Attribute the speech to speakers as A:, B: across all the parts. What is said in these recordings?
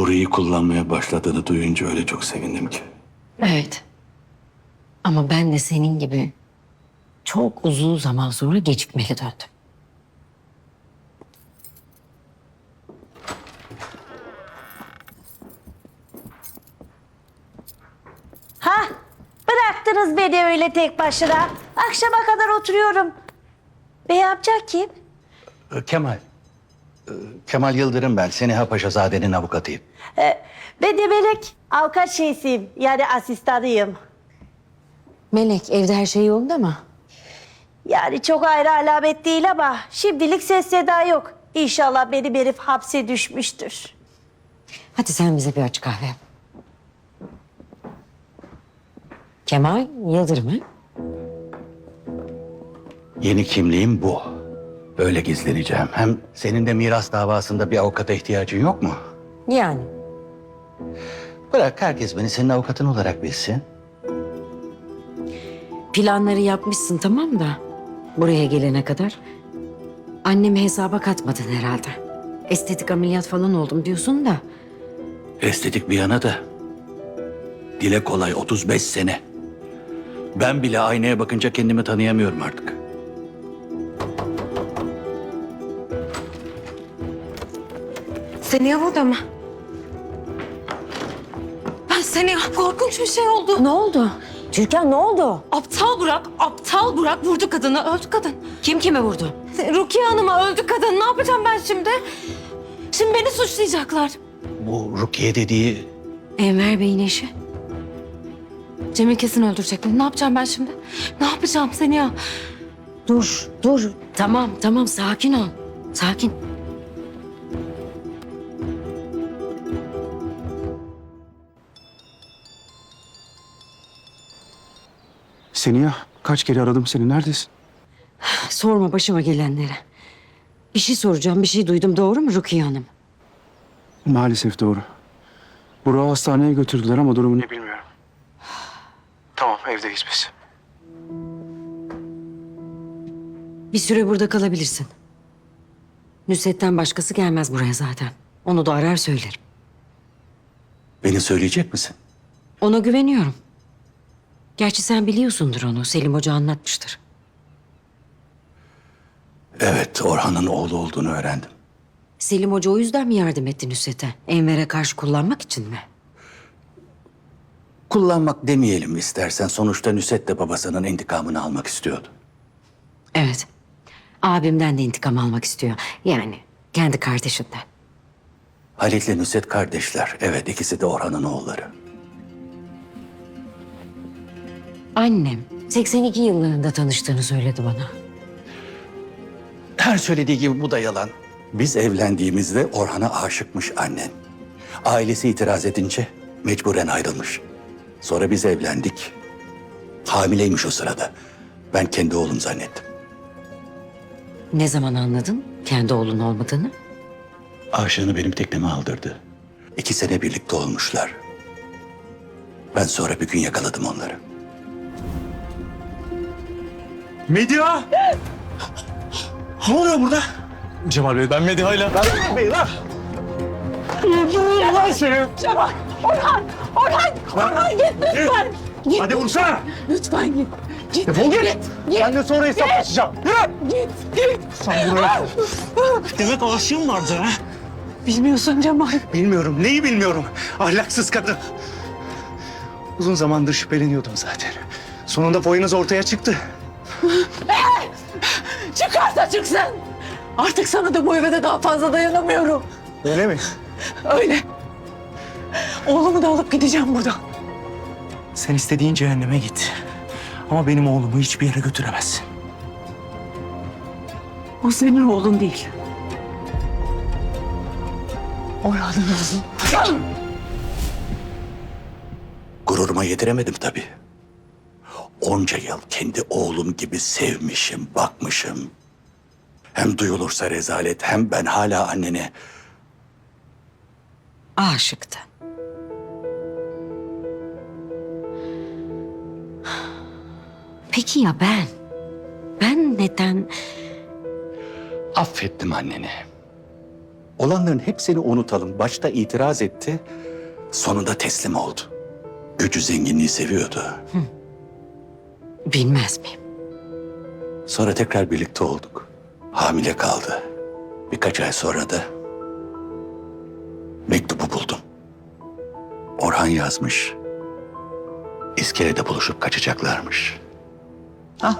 A: Burayı kullanmaya başladığını duyunca öyle çok sevindim ki.
B: Evet. Ama ben de senin gibi çok uzun zaman sonra gecikmeli döndüm.
C: Ha? Bıraktınız beni öyle tek başına. Akşama kadar oturuyorum. Bey amca kim?
A: Kemal. Kemal Yıldırım ben. Seniha Paşazade'nin avukatıyım.
C: Ben de Melek. Avukat şeysiyim. Yani asistanıyım.
B: Melek, evde her şey yolunda mı?
C: Yani çok ayrı alamet değil ama şimdilik ses seda yok. İnşallah benim herif hapse düşmüştür.
B: Hadi sen bize bir aç kahve. Kemal Yıldırım ha?
A: Yeni kimliğim bu. Böyle gizleneceğim. Hem senin de miras davasında bir avukata ihtiyacın yok mu?
B: Yani.
A: Bırak herkes beni senin avukatın olarak bilsin.
B: Planları yapmışsın tamam da buraya gelene kadar annemi hesaba katmadın herhalde. Estetik ameliyat falan oldum diyorsun da
A: Estetik bir yana da. Dile kolay 35 sene. Ben bile aynaya bakınca kendimi tanıyamıyorum artık.
D: Seniha burada mı? Ben Seniha korkunç bir şey oldu.
B: ne oldu? Türkan ne oldu?
D: Aptal Burak vurdu kadını, öldü kadın.
B: Kim kime vurdu?
D: Rukiye Hanım'a öldü kadın. Ne yapacağım ben şimdi? Şimdi beni suçlayacaklar.
A: Bu Rukiye dediği
B: Enver Bey'in eşi.
D: Cemil kesin öldürecek beni. Ne yapacağım ben şimdi? Ne yapacağım Seniha?
B: Dur. Tamam sakin ol. Sakin.
E: Seniha, kaç kere aradım seni. Neredesin?
B: Sorma başıma gelenleri. Bir şey soracağım, bir şey duydum. Doğru mu Rukiye Hanım?
E: Maalesef doğru. Burak'ı hastaneye götürdüler ama durumu ne bilmiyorum. Tamam, evdeyiz biz.
B: Bir süre burada kalabilirsin. Nusret'ten başkası gelmez buraya zaten. Onu da arar söylerim.
A: beni söyleyecek misin?
B: Ona güveniyorum. Gerçi sen biliyorsundur onu. Selim Hoca anlatmıştır.
A: Evet, Orhan'ın oğlu olduğunu öğrendim.
B: Selim Hoca o yüzden mi yardım etti Nusret'e? Enver'e karşı kullanmak için mi?
A: Kullanmak demeyelim istersen. Sonuçta Nusret de babasının intikamını almak istiyordu.
B: Evet. Abimden de intikam almak istiyor. Yani kendi kardeşinden.
A: Halit'le Nusret kardeşler. Evet, ikisi de Orhan'ın oğulları.
B: Annem 82 yıllarında tanıştığını söyledi bana.
A: Her söylediği gibi bu da yalan. Biz evlendiğimizde Orhan'a aşıkmış annen. Ailesi itiraz edince mecburen ayrılmış. Sonra biz evlendik. Hamileymiş o sırada. Ben kendi oğlum zannettim.
B: Ne zaman anladın kendi oğlun olmadığını?
A: Aşığını benim tekneme aldırdı. 2 sene birlikte olmuşlar. Ben sonra bir gün yakaladım onları.
E: Medya! Ne oluyor burada?
F: Cemal Bey ben Mediha'yla...
E: Bey lan! Lan seni!
C: Orhan git lütfen. Git.
E: Hadi vursana!
C: Lütfen git. Git.
E: Defol git! Ben de sonra hesaplaşacağım. Yürü!
C: Git.
E: Sen buraya... Demek aşığın vardı ha?
C: Bilmiyorsun Cemal.
E: Bilmiyorum. Neyi bilmiyorum? Ahlaksız kadın. Uzun zamandır şüpheleniyordum zaten. Sonunda boyunuz ortaya çıktı.
C: Çıkarsa çıksın. Artık sana da bu eve de daha fazla dayanamıyorum.
E: Öyle mi?
C: Öyle. Oğlumu da alıp gideceğim buradan.
E: Sen istediğin cehenneme git. Ama benim oğlumu hiçbir yere götüremezsin.
C: O senin oğlun değil. Orhan'ın oğlu.
A: Gururuma yediremedim tabii. Onca yıl kendi oğlum gibi sevmişim, bakmışım. Hem duyulursa rezalet, hem ben hala annene...
B: Aşıktı. Peki ya ben? Ben neden...
A: Affettim anneni. Olanların hepsini unutalım. Başta itiraz etti, sonunda teslim oldu. Gücü zenginliği seviyordu.
B: Bilmez miyim?
A: Sonra tekrar birlikte olduk. Hamile kaldı. Birkaç ay sonra da mektubu buldum. Orhan yazmış. İskelede buluşup kaçacaklarmış.
G: Al.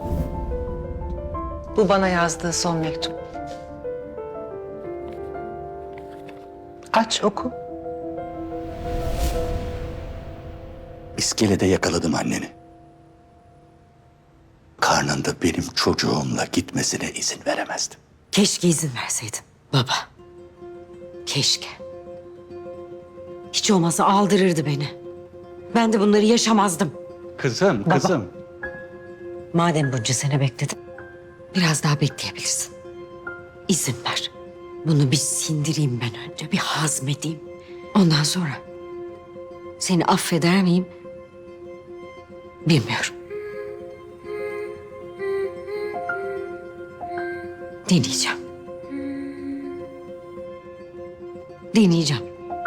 G: Bu bana yazdığı son mektup. Aç oku.
A: İskelede yakaladım anneni. Karnında benim çocuğumla gitmesine izin veremezdim.
B: Keşke izin verseydin baba. Keşke. Hiç olmazsa aldırırdı beni. Ben de bunları yaşamazdım.
A: Kızım.
B: Madem bunca sene bekledin, biraz daha bekleyebilirsin. İzin ver. Bunu bir sindireyim ben önce, bir hazmedeyim. Ondan sonra seni affeder miyim? Bilmiyorum. Deneyeceğim. Deneyeceğim.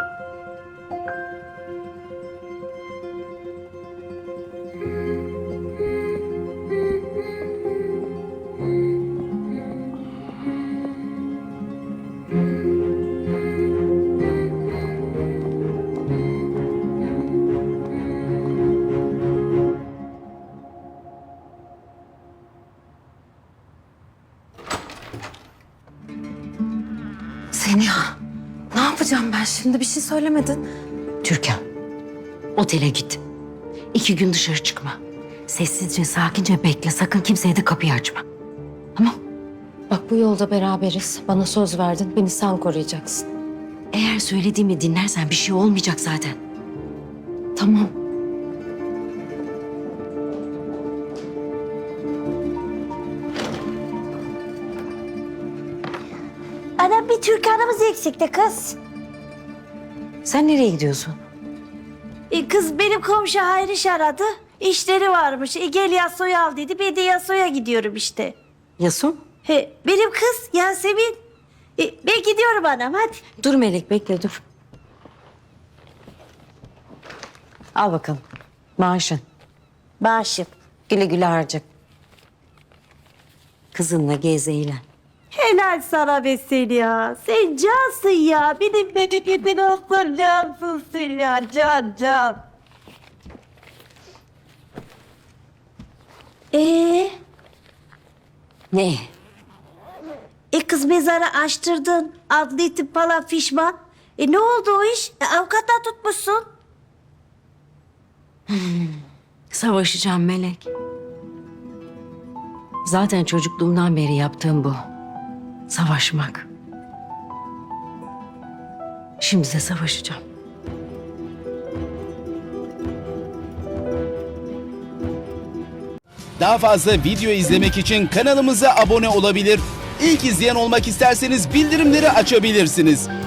D: Seniha, ne yapacağım ben şimdi? Bir şey söylemedin.
B: Türkan, otele git. 2 gün dışarı çıkma. Sessizce, sakince bekle. Sakın kimseye de kapıyı açma. Tamam?
D: Bak bu yolda beraberiz. Bana söz verdin. Beni sen koruyacaksın.
B: Eğer söylediğimi dinlersen bir şey olmayacak zaten.
D: Tamam.
C: Anam bir Türkan'ımız eksikti kız.
B: Sen nereye gidiyorsun?
C: Kız benim komşu Hayriş aradı. İşleri varmış. Gel Yaso'yu al dedi. Ben de Yaso'ya gidiyorum işte.
B: Yasun?
C: Benim kız Yasemin. Ben gidiyorum anam hadi.
B: Dur Melek, bekle dur. Al bakalım. Maaşın.
C: Bağışım.
B: Güle güle harca. Kızınla gez eğlen.
C: Helal sana be seni ya. Sen cansın ya. Benim memleketin olsun cansın sen ya. Can.
B: Ne?
C: Kız mezarı açtırdın. Adli tıp falan fişman. Ne oldu o iş? Avukattan tutmuşsun.
B: Savaşacağım Melek. Zaten çocukluğumdan beri yaptığım bu. Savaşmak. Şimdi de savaşacağım.
H: Daha fazla video izlemek için kanalımıza abone olabilir. İlk izleyen olmak isterseniz bildirimleri açabilirsiniz.